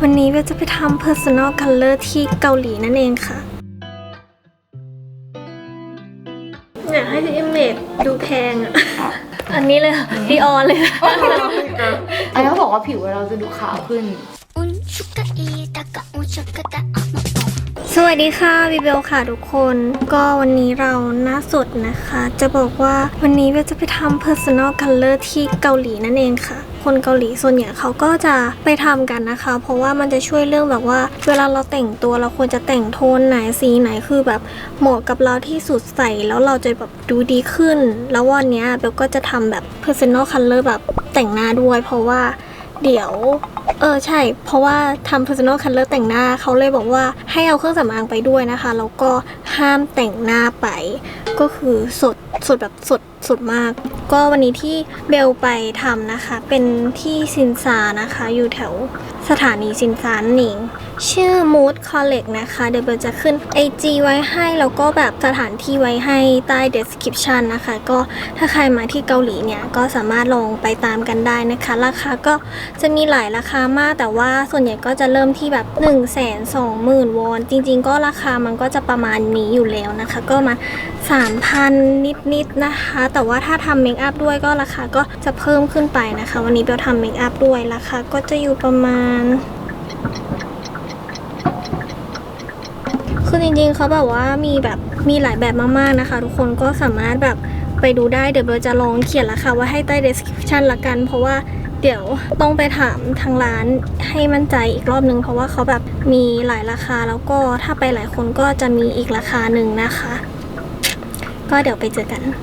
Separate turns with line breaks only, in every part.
วันนี้เบลจะไปทำ personal color ที่เกาหลีนั่นเองค่ะอยากให้ที่ image ดูแพงอ่ะ อันนี้เลยดีออนเลย
อันนี้เขาบอกว่าผิวเราจะดูขาวขึ้น
สวัสดีค่ะบิเบลค่ะทุกคนก็วันนี้เราหน้าสดนะคะจะบอกว่าวันนี้เบลจะไปทำ personal color ที่เกาหลีนั่นเองค่ะคนเกาหลีส่วนใหญ่เขาก็จะไปทำกันนะคะเพราะว่ามันจะช่วยเรื่องแบบว่าเวลาเราแต่งตัวเราควรจะแต่งโทนไหนสีไหนคือแบบเหมาะกับเราที่สุดใส่แล้วเราจะแบบดูดีขึ้นแล้ววันนี้เบลก็จะทำแบบ personal color แบบแต่งหน้าด้วยเพราะว่าเดี๋ยวใช่เพราะว่าทำ personal color แต่งหน้าเขาเลยบอกว่าให้เอาเครื่องสำอางไปด้วยนะคะแล้วก็ห้ามแต่งหน้าไปก็คือสดแบบสดมากก็วันนี้ที่เบลไปทำนะคะเป็นที่ซินซานะคะอยู่แถวสถานีซินซานั่นเองชื่อ Mood Collect นะคะเดี๋ยวเบลจะขึ้น IG ไว้ให้แล้วก็แบบสถานที่ไว้ให้ใต้ description นะคะก็ถ้าใครมาที่เกาหลีเนี่ยก็สามารถลองไปตามกันได้นะคะราคาก็จะมีหลายราคามากแต่ว่าส่วนใหญ่ก็จะเริ่มที่แบบ 120,000 วอนจริงๆก็ราคามันก็จะประมาณนี้อยู่แล้วนะคะก็มา 3,000 นิดๆนะคะแต่ว่าถ้าทำเมคอัพด้วยก็ราคาก็จะเพิ่มขึ้นไปนะคะวันนี้เบลทำเมคอัพด้วยราคาก็จะอยู่ประมาณคือจริงๆเขาแบบว่ามีหลายแบบมากๆนะคะทุกคนก็สามารถแบบไปดูได้เดี๋ยวเบลจะลองเขียนราคาไว้ให้ใต้ description ละกันเพราะว่าเดี๋ยวต้องไปถามทางร้านให้มั่นใจอีกรอบนึงเพราะว่าเขาแบบมีหลายราคาแล้วก็ถ้าไปหลายคนก็จะมีอีกราคาหนึ่งนะคะก็เดี๋ยวไปเจอกัน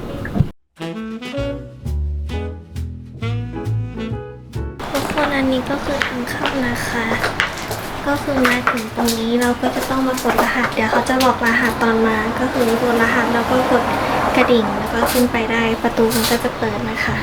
ทุกคนอันนี้ก็คือทางเข้านะคะก็คือมาถึงตรงนี้เราก็จะต้องมากดรหัสเดี๋ยวเขาจะบอกรหัสตอนมาก็คือกดรหัสแล้วก็กดกระดิ่งแล้วก็ขึ้นไปได้ประตูมันก็จะเปิดนะคะ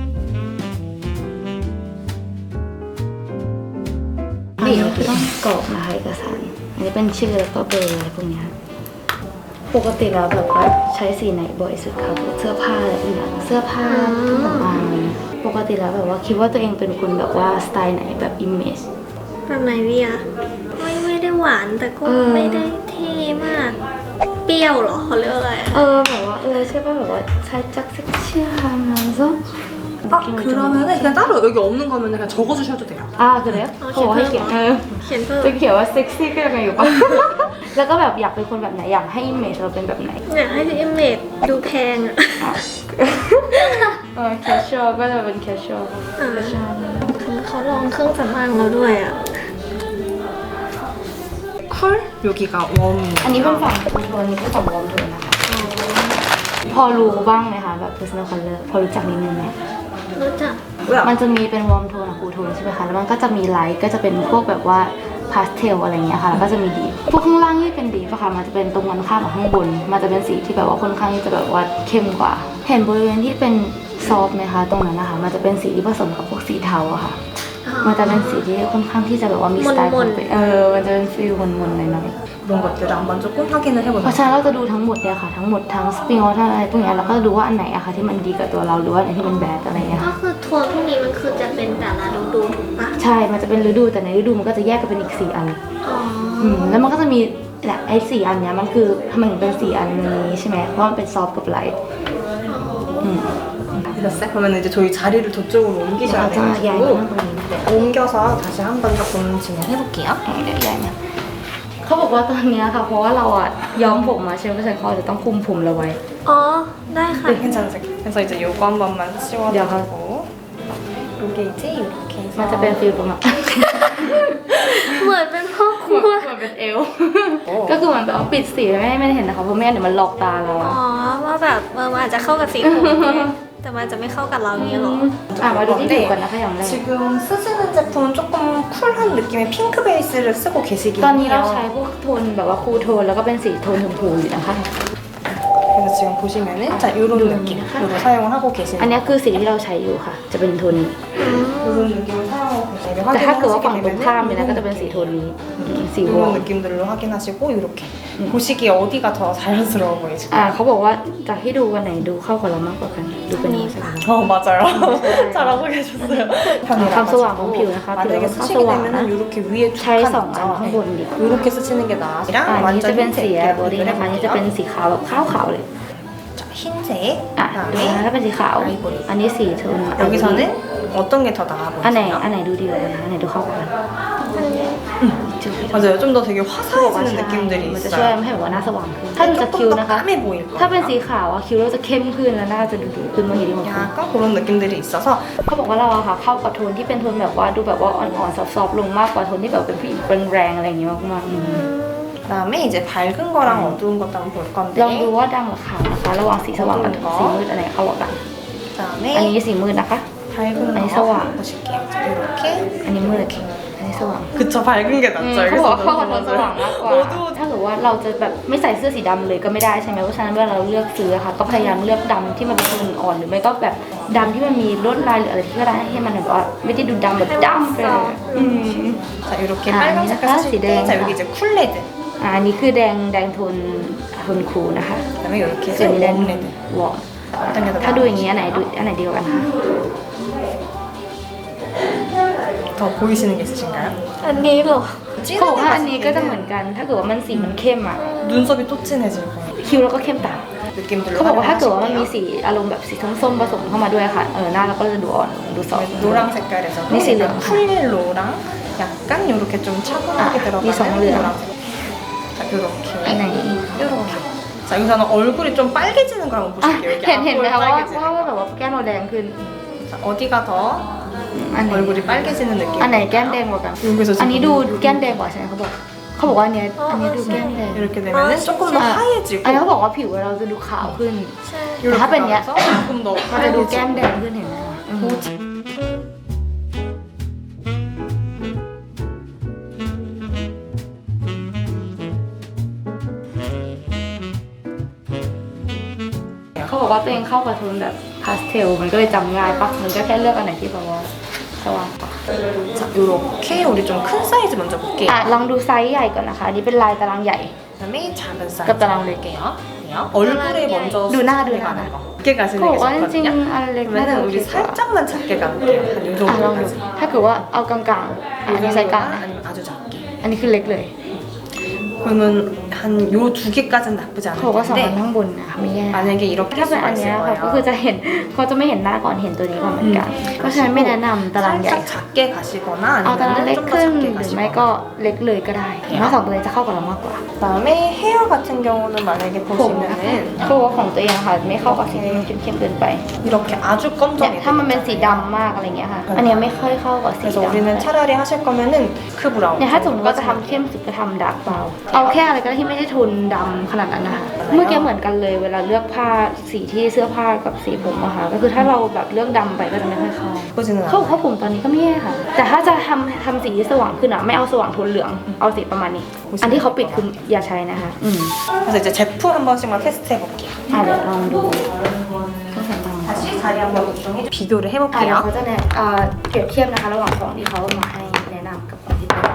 อันนี้คือต้องกรอกนะคะเอกสารอันนี้เป็นชื่อแล้วก็เบอร์อะไรพวกนี้ปกติแล้วแบบว่าใช้สีไหนบ่อยสุดคะเสื้อผ้าอะไรอย่างเงี้ยเสื้อผ้าเครื่องสำอางปกติแล้วแบบว่าคิดว่าตัวเองเป็นคนแบบว่าสไตล์ไหนแบบอิมเมจ
แบบไหนดีอะไม่ได้หวานแต่ก็ไม่ได้เท่มากเปรี้ยวเหรอเขาเรียกอะไร
แบบว่าใช่ป่ะแบบว่า살짝 섹시하면서
그러면은 그냥 따로 여기 없는 거면 그냥 적어주셔도 돼요.
아 그래요? 저 할게요.
เขียนเพิ่ม
จะเขียนว่าเซ็กซี่ก็ยังไงอยู่ปะ แล้วก็แบบอยากเป็นคนแบบไหนอยากให้อิมเมจเราเป็นแบบไหน
อยากให้ที่ image ดูแพงอะ
แคชชวลก็จะเป็นแคชชวล
เขาลองเครื่องสำอางเราด้วยอะ
컬 여기가 웜이.
อันนี้เป็นฝั่งคูโทนนี้เป็นฝั่งวอร์มโทนนะคะพอรู้บ้างไหมคะแบบ personal color พอรู้จักนิดนึงไหม
รู้จัก
มันจะมีเป็นวอร์มโทนกับคูลโทนใช่ไหมคะแล้วมันก็จะมีไลท์ก็จะเป็นพวกแบบว่าพาสเทลอะไรเงี้ยค่ะแล้วก็จะมีดีพวกข้างล่างที่เป็นดีป่ะคะมันจะเป็นตรงกันข้ามกับข้างบนมันจะเป็นสีที่แบบว่าค่อนข้างที่จะแบบว่าเข้มกว่าเห็นบริเวณที่เป็นซอฟต์ไหมคะตรงนั้นนะคะมันจะเป็นสีที่ผสมกับพวกสีเทาอะค่ะมันจะเป็นสีที่ค่อนข้างที่จะแบบว่ามีสไตล์ของตัวมันจะเป็นฟีลมนๆหน่อย
이런 것들을 한번 조금 확인을
เพราะ
해보세요.
ฉะนั้นเราจะดูทั้งหมดเนี่ยค่ะทั้งหมดทั้งสปริงออทอะไรพวกนี้แล้วก็ดูว่าอันไหนอะค่ะที่มันดีกับตัวเราหรือว่าอันไหนที่มันแบดอะไรเงี้ย
ก็คือโทนพวกนี้มันคือจะเป็นแต่ละฤดูถูกปะ
ใช่มันจะเป็นฤดูแต่ในฤดูมันก็จะแยกกันเป็นอีก4 อันแล้วมันก็จะมีแหละไอ้4 อันเนี้ยมันคือทำไมถึงเป็น4 อันนี้ใช่ไหมเพราะมันเป็นซอฟต์กับไลท์
됐어요? 그러면 이제 저희 자리를 저쪽으로 옮기셔야 돼가지고 옮겨서 다시 한번 조금 진행해볼게요.
ใหญ่เนี่ยเขาบอกว่าตอนนี้ค่ะเพราะว่าเราอะย้อมผมมาใช่ไหมเพราะฉะนั้นเขาจะต้องคุมผมเราไว้
ได้ค่ะ
네, 괜찮으세요. 그래서 이제 요거 한 번만 씌워주고 요게 이제 이렇게 해서
มันจะเป็นฟีลประมาณ
เหมือนเป็นพ่อครัว
เหมือนเป็นเอลก็คือเหมือนแบบว่าปิดสีไม่ให้เห็นนะคะเพราะไม่งั้นเดี๋ยวมันหลอกตาเรา
ว่าแบบมันอาจจะเข้ากับสีผมแต่มันจะไม่เข้ากับเราอย่างนี้หรอ
มาดูที่ผิวกันนะคะอย่างแรก
지금 쓰시는 제품은 조금 쿨한 느낌의 핑크 베이스를 쓰고 계시긴
ตอนนี้เรา
해요.
ใช้พวกโทนแบบว่าคูลโทนแล้วก็เป็นสีโทนชมพูอยู่นะคะ
그래서 지금 보시면은 자 이런 느낌으로 사용을 하고
อัน
계시는
นี้คือสีที่เราใช้อยู่ค่ะจะเป็นโทนนี้
이런 느낌을 사용하고
แต่ถ้าเกิดว่าฝั่งตรงข้ามเนี่ยนะก็จะเป็นสีโทนนี้สีวอ
이런
ม
느낌들로 확인하시고 이렇게 보시기에 어디가 더 자연스러워 보이실까요?
เขาบอกว่าจากที่ดูวันไหนดูเข้ากับเรามากกว่ากันดูเป็นนี้
맞아요. 잘하고 계셨어요.
감소와 몸피우นะคะ
만약에
그리고
쓰시게
감소와
되면은 이렇게 위에
ใช้
칸
สองอัน
있죠.
ข้างบนดี
이렇게 쓰시는 게 나아요.
อันนี้จะ
완전
เป็นสี
흰색
บอดี้นะคะอันนี้จะเป็นสีขาวแบบขาวๆเลย
자, 흰색.
อ่ะดูนะถ้าเป็นสีขาว อันนี้สีโทน
여기서는 어떤 게 더 나아
อันไหน
보이세요?
อันไหนดูดีกว่ากันนะอันไหนดูเข้ากัน
맞아요. 좀 더 되게
เขาบอกว่า
화사해지는
ใช่
느낌들이
มันจะช่วย
있어요.
ให้แบบว่าหน้าสว่างขึ้นถ้าดูจากคิว
조금 더
นะคะ
까매 보일
ถ้าเป็น
거예요.
สีขาวอะคิวเราจะเข้มขึ้นแล้วหน้าจะดูขึ้นมาเห็นดีกว่า
약간 그런 느낌들이 있어서
เขาบอกว่าเราอะค่ะเข้ากับโทนที่เป็นโทนแบบว่าดูแบบว่าอ่อนๆซอฟๆลงมากกว่าโทนที่แบบเป็นผู้หญิงแรงๆอะไรอย่างเงี้ยมากๆ
그다음에 이제 밝은 거랑 어두운 것도 한번 볼
ลองดู
건데
ว่าดำกับขาวนะคะระหว่างสีสว่างกับสีมืดอันไหนเข้ากัน อัน
그다음에
นี้สีมืดนะคะ
밝은
아니,
거
서와.
보실게요. 자, 이렇게
อันนี้มืดอันนี้สว่าง
그쵸 밝은 게 낫죠.
เขาบอกว่าเข้ากับโทนสว่างมากกว่า
어두운
ถ้าเกิดว่าเราจะแบบไม่ใส่เสื้อสีดำเลยก็ไม่ได้ใช่ไหมเพราะฉะนั้นเวลาเราเลือกซื้ออะค่ะก็พยายามเลือกดำที่มันเป็นโทนอ่อนหรือไม่ก็แบบดำที่มันมีลวดลายหรืออะไรที่ก็ได้ให้มันแบบว่าไม่ได้ดูดำแบบดำไปเลย
자 이렇게
아,
빨간
아니,
색깔
하나씩
쓰실 때, 자 여기 이제 쿨레드.
อันนี้คือแดงโทนคูลนะคะ
그다음에 이렇게
ส่วนนี้แดง
웜레드.
วอร์ม
어떤 게 더
ถ้าดูอย่างนี้อันไหนดีกว่ากันคะ
더 보이시는 게 있으신가요?
อันนี้เหรอ
เขาบอกว่าอันนี้ก็จะเหมือนกัน ถ้าเกิดว่ามันสีมันเข้มอ่ะ
눈썹이 또 진해질 거예요.
คิ้วเราก็เข้มตาม
느낌들로
เขาบอกว่าถ้าเกิดว่ามันมี
활용하실게요.
สีอารมณ์แบบสีส้มๆผสมเข้ามาด้วยค่ะหน้าเราก็จะดูอ่อนดูซอฟ
노랑 색깔에서
네, 네.
쿨옐로우랑 약간 이렇게 좀 차분하게
아,
들어가는
미성으로요.
노란색. 자
อันไหน
이렇게 이렇게. 자 여기서는 얼굴이 좀 빨개지는 걸 한번
อ่ะ
보실게요. 이렇게
เห็นไหม
앞볼
คะว่า
빨개지는
ว่า
거.
แบบว่าแก้มเราแดงขึ้น
자, 어디가 더
อันไหน
얼굴이 빨개지는 느낌?
อันไหนแก้มแดงกว่ากัน
여기서
อันนี้
지금
ดูแก้มแดงกว่าใช่ไหมเขาบอกว่าอันเนี้ยอันนี้ดูแก้มแดง
이렇게 되면은 조금 더
อ่ะ
하얘지고
อันนี้เขาบอกว่าผิวเราจะดูขาวขึ้น
이렇게
แต่ถ้าเป็นเนี้ย
가면서 조금 더
มันจะดูแก้ม
하얘지고
แดงขึ้นเห็นไหมคะอืม เขาบอกว่าตัวเองเข้ากับโทนแบบพาสเทลมันก็เลยจำง่ายปะมันก็แค่เลือกอันไหนที่แบบว่าสว่างปะ
자 이렇게 우리 좀 큰 사이즈 먼저 볼게요.
ลองดูไซส์ใหญ่ก่อนนะคะอันนี้เป็นลายตารางใหญ่
그다음에 작은 사이즈
그것도 나오네.
볼게요. 얼굴에 먼저
누나,
수정을
누나.
가는 거. 작게 가시는
เขาบ
게
อกว่าจริง
좋거든요.
ๆอันเล็กน่าจะ
그러면
โอเค
우리
กว่า
살짝만 작게 가볼게요. 한 이
ลองดู
정도까지.
ถ้าเกิดว่าเอากลางๆอันนี้ไซส์กลาง
아니면 아주 작게.
อันนี้คือเล็กเลย
그러면 한 요 두 개까지는 나쁘지
เขาบอกว่า
않을
สองอัน
텐데
ข้างบนนะคะไม่แย่
만약에 이렇게
ถ้า
할
เป็นอั
수가
นเนี้ย
있을
ค่ะก็คือ
거예요.
จะเห็นเขาจะไม่เห็นหน้าก่อนเห็นตัวนี้ก่อนเหมือนกัน เพราะฉะนั้นไม่แนะนำตารางใหญ่
살짝 작게 가시거나
เอาตาราง
아니면
เล็ก
좀 더
ขึ้น
작게
หรือไม่ก็
가시거나.
เล็กเลยก็ได้เพราะสองตัวนี้จะเข้ากับเรามากกว่า
그다음에 헤어 같은 경우는 만약에
ผมนะคะ
보시면은
เขาบอกว่าของตัวเองอะค่ะไม่เข้ากับสีที่มันเข้มๆเกินไป
이렇게 아주
เนี่ย
검정이
ถ้ามันเป็นสีดำมากอะไรเงี้ยค่ะ อันเนี้ยไม่ค่อยเข้ากับสี
그래서
ดำ
우리는 차라리 하실 거면은 크 브라운
เนี่ยถ้าสมมติว่าจะทำเข้มสุดก็ทำดาร์กเบราเอาแค่อะไรก็ได้ที่ไม่ได้โทนดำขนาดนั้นนะคะเมื่อกี้เหมือนกันเลยเวลาเลือกผ้าสีที่เสื้อผ้ากับสีผมอะค่ะก็คือถ้าเราแบบเลือกดำไปก็จะไม่ค่อยเข้า
예쁘지는
เขาบอก
않아요.
ว่าผมตอนนี้ก็ไม่แย่ค่ะ แต่ถ้าจะทำสีที่สว่างขึ้นอะไม่เอาสว่างโทนเหลืองเอาสีประมาณนี้ อันที่เขาปิดคืออย่าใช้นะคะ
그래서 이제 제품 한 번씩만 테스트 해볼게요.
เดี๋ยวลองดูเครื่องสำอาง
다시 자리 한번 이동해 비교를
เดี๋ยว
해볼게요.
เขาจะเปรียบเทียบนะคะระหว่างของที่เขามาให้แนะนำกับของที่เป็น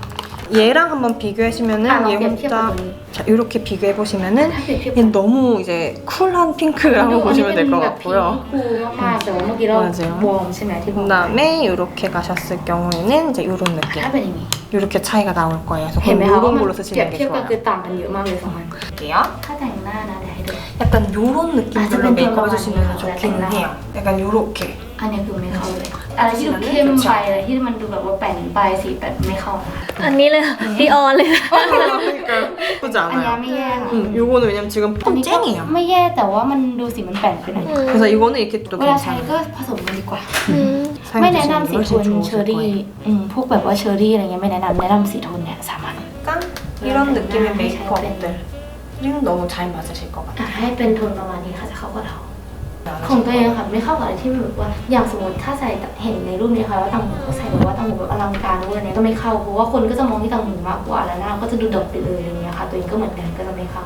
얘랑 한번 비교하시면은
아,
얘
그냥
혼자
피해보더니.
자 이렇게 비교해 보시면은
피해보더니.
얘 너무 이제 쿨한 핑크라고 보시면 될 것 같고요.
คูลมากๆแต่ว่าเมื่อกี้เรา
맞아요.
วอร์มใช่ไหมที่บอก
그다음에 이렇게 가셨을 경우에는 이제 이런 느낌.
ถ้าเป็นอย่างนี้
이렇게 차이가 나올 거예요. 그래서
เห็นไหม
그럼
คะว่า
이런
มัน
걸로
เปรีย
쓰시는
บ
게
เทียบกัน
좋아요.
คือต่างกันเยอะมากเลยสองอัน
볼게요.
ถ้าแต่งหน้านะเดี๋ยวให้ดู
약간 요런 느낌으로
좀
메이크업
더
해주시면
많이
좋긴
나와요.
해요. 약간 요렇게.
อันนี้คือไม่เข้าเลยอะไรที่ดูเข้มไปอะไรที่มันดูแบบว่าแป่นไปสีแบบไม่เข้านะคะ
อันนี้เลยดีออนเลย
그러니까 예쁘지
อันนี้
않아요?
ไม่แย่ค่ะ
요거는 왜냐면 지금
อัน
좀
นี้ก็
쨍해요.
ไม่แย่แต่ว่ามันดูสีมันแป่นไปหน่อย
그래서 이거는 이렇게 또
เวลาใช้
괜찮아요.
ก็ผสมกันดีกว่า
อืม
ไม่แนะนำสีโทน
훨씬
เชอ
좋으실
รี่
거예요.
พวกแบบว่าเชอรี่อะไรเงี้ยไม่แนะนำสีโทนเนี่ยสามัญ
약간 이런 느낌의 메이크업들은 너무 잘 맞으실 것 같아요.
ให้เป็นโทนประมาณนี้ค่ะจะเข้ากับเรา ของตัวเองค่ะไม่เข้ากับอะไรที่แบบว่าอย่างสมมติถ้าใส่เห็นในรูปนี้ค่ะว่าต่างหูก็ใส่แบบว่าต่างหูแบบอลังการด้วยเนี่ยก็ไม่เข้าเพราะว่าคนก็จะมองที่ต่างหูมากกว่าแล้วหน้าก็จะดูดกไปเลยอะไรเงี้ยค่ะตัวเองก็เหมือนกันก็จะไม่เข้า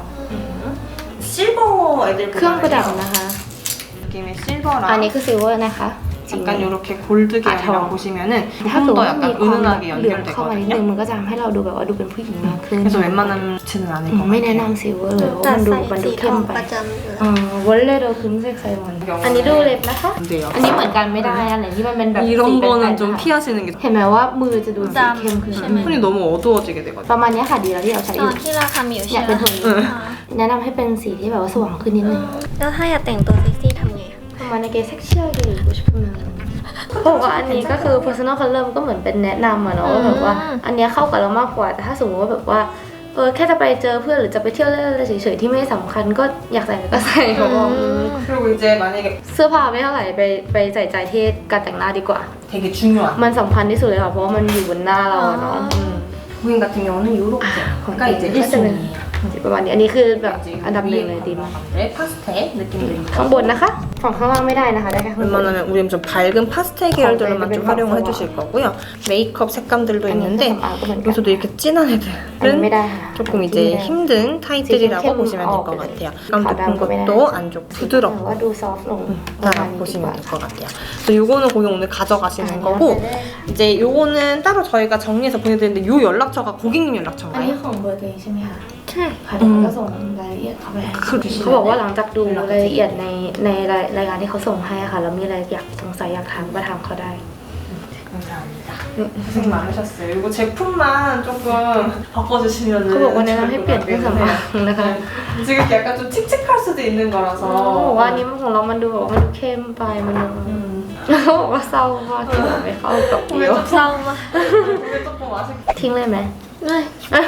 실버 애들
เครื่องประดับนะคะ
느낌의 실버랑
อันนี้คือซิลเวอร์นะคะริง
약간 이렇게 골드 계열이랑 보시면은
ถ้าเกิด
조금 더
ว่ามี
약간
ความแบบ
은은하게
เหลืองเข้ามานิดนึง
연결되거든요.
มันก็จะทำให้เราดูแบบว่าดูเป็นผู้หญิงมากขึ้น
그래서 웬만하면 좋지는 않을 것
ไม่แนะ
같아요.
นำซิลเวอร์เลยเพราะ
แต่
มันดู
ใส่สีท
เข้
อ
ม
ง
ไป
ประจำอยู่แล้ว
วันเล่เราคือเซ็กไซมันอันนี้ดูเล็บนะคะ
안 돼요.
อันนี้เหมือนกันไม่ได้อันไหนที่มันเป็นแบบสี
이런
เป็น
거는
แป
좀
ด
피하시는 게
เห็นไหมว่ามือจะดูสีเข้มขึ้น
ใช่ไหม
손이 너무 어두워지게
ป
되거든요.
ระมาณนี้ค่ะดีแล้วที่เราใช้
ต
อ
อยู่ นที่เราทำอยู่
อ
ใช่
ยาก
ไหม
เป็นโทนนี้แนะนำให้เป็นสีที่แบบว่าสว่างขึ้นนิดนึง
แล้วถ้าอยากแต่งตัวเซ็กซี่ทำไง
ประมาณในเกย์เซ็กชวลเกย์กูชพูดมาบอกว่าอันนี้ก็คือ personal color มันก็เหมือนเป็นแนะนำอะเนาะว่าแบบว่าอันเนี้ยเข้ากับเรามากกว่าแต่ถ้าสมมติว่าแบบว่าแค่จะไปเจอเพื่อนหรือจะไปเที่ยวเล่นอะไรเฉยๆที่ไม่สำคัญก็อยากใส่ก็ใส่เขาบอก
그리고 이제 만약에
เสื้อผ้าไม่เท่าไหร่ไปใส่ใจที่การแต่งหน้าดีกว่า
되게 중요한
มันสำคัญที่สุดเลยค่ะเพราะว่ามันอยู่บนหน้าเราอะเนาะ
부인 같은 경우는 요렇게가 이제
ประมาณนี้อันนี้คือแบบอันดับหนึ่งเลยดีมาก
파스텔 느낌도
ข้าง
있고
บนนะคะฝั่งข้างล่างไม่ได้นะคะได้แค่ข้างบน
웬만하면 우리는 좀 밝은 파스텔 계열들로만 좀 활용을 해주실 거고요. 메이크업 색감들도 있는데 여기서도 이렇게 진한
อันนี้ไม่
애들은
ได้ค่ะ
조금 이제 힘든 타입들이라고 보시면 될 것 같아요. 감 높은 것도 안 좋고
ว่า
부드럽고
ดูซอฟต์ลงประมาณ
다
นี้ดีกว่า
보시면 될 것 같아요. 그래서 요거는 고객 오늘 가져가시는 거고 이제 요거는 따로 저희가 정리해서 보내드리는데 요 연락처가 고객님
อันนี้
연락처인가요?
ของเบอร์ตัวเองใช่ไหมคะ
ใช่
ค่ะเดี๋ยวเขาก็ส่งรายละเอียดเข้าไปให้เขาบอกว่าหลังจากดูรายละเอียดในรายการที่เขาส่งให้ค่ะแล้วมีอะไรอยากสงสัยอยากถามก็ถามเขาได้
감사합니다. 고생 많으셨어요. 이거 제품만 조금 바꿔주시면
เขาบอกว่าแนะนำให้เปลี่ยนเครื่องสำอางนะคะ
지금 약간 좀 칙칙할 수도 있는
เขาบอกว่า
거라서
อันนี้ของเรามันดูแบบว่ามันดูเข้มไปมันดูเขาบอกว่าเศร้ามากที่แบบไม่เข้ากับเดียว
เศร้ามาก
이게 조금 아쉽
ทิ้งเลยไหม
เลย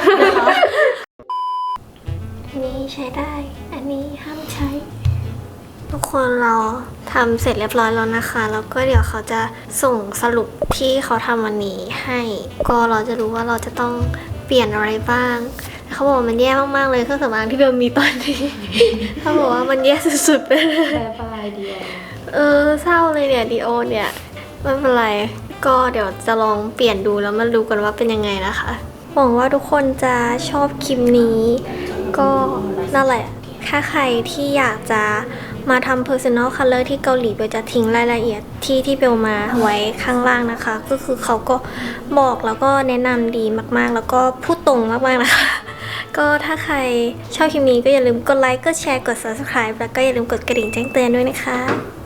อันนี้ใช้ได้ อันนี้ห้ามใช้ ทุกคนเราทำเสร็จเรียบร้อยแล้วนะคะ แล้วก็เดี๋ยวเขาจะส่งสรุปที่เขาทำวันนี้ให้ ก็เราจะรู้ว่าเราจะต้องเปลี่ยนอะไรบ้าง เขาบอกว่ามันแย่มากๆเลยเครื่องสำอางที่เบลมีตอนนี้ เขาบอกว่ามันแย่สุดๆไปเลย
บายเดียว
เศร้าเลยเนี่ยดีโอเนี่ยไม่เป็นไรก็เดี๋ยวจะลองเปลี่ยนดูแล้วมาดูกันว่าเป็นยังไงนะคะหวังว่าทุกคนจะชอบคลิปนี้ ก็นั่นแหละถ้าใครที่อยากจะมาทำ personal color ที่เกาหลีเบลจะทิ้งรายละเอียดที่เบลมาไว้ข้างล่างนะคะ ก็คือเขาก็บอกแล้วก็แนะนำดีมากๆ แล้วก็พูดตรงมากๆนะคะ ก็ถ้าใครชอบคลิปนี้ก็อย่าลืมกดไลค์กดแชร์กด subscribe แล้วก็อย่าลืมกดกระดิ่งแจ้งเตือนด้วยนะคะ